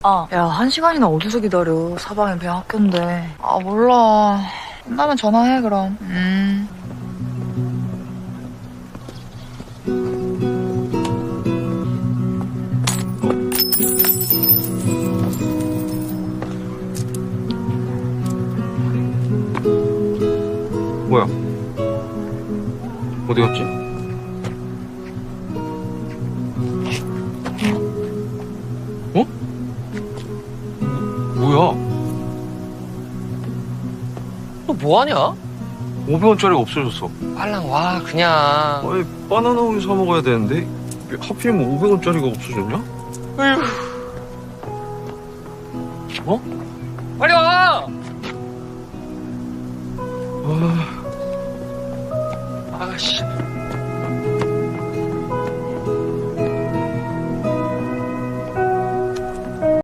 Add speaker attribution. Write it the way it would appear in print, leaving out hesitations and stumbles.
Speaker 1: 야, 1시간이나 어디서 기다려. 사방에 그냥 학교인데. 몰라. 끝나면 전화해, 그럼.
Speaker 2: 뭐야? 어디 갔지? 어? 뭐야?
Speaker 3: 너 뭐하냐?
Speaker 2: 500원짜리가 없어졌어.
Speaker 3: 빨랑 와 그냥.
Speaker 2: 아니, 바나나 우유 사 먹어야 되는데 하필이면 500원짜리가 없어졌냐?
Speaker 3: 어휴.
Speaker 2: 어?
Speaker 3: 빨리 와.
Speaker 2: 아...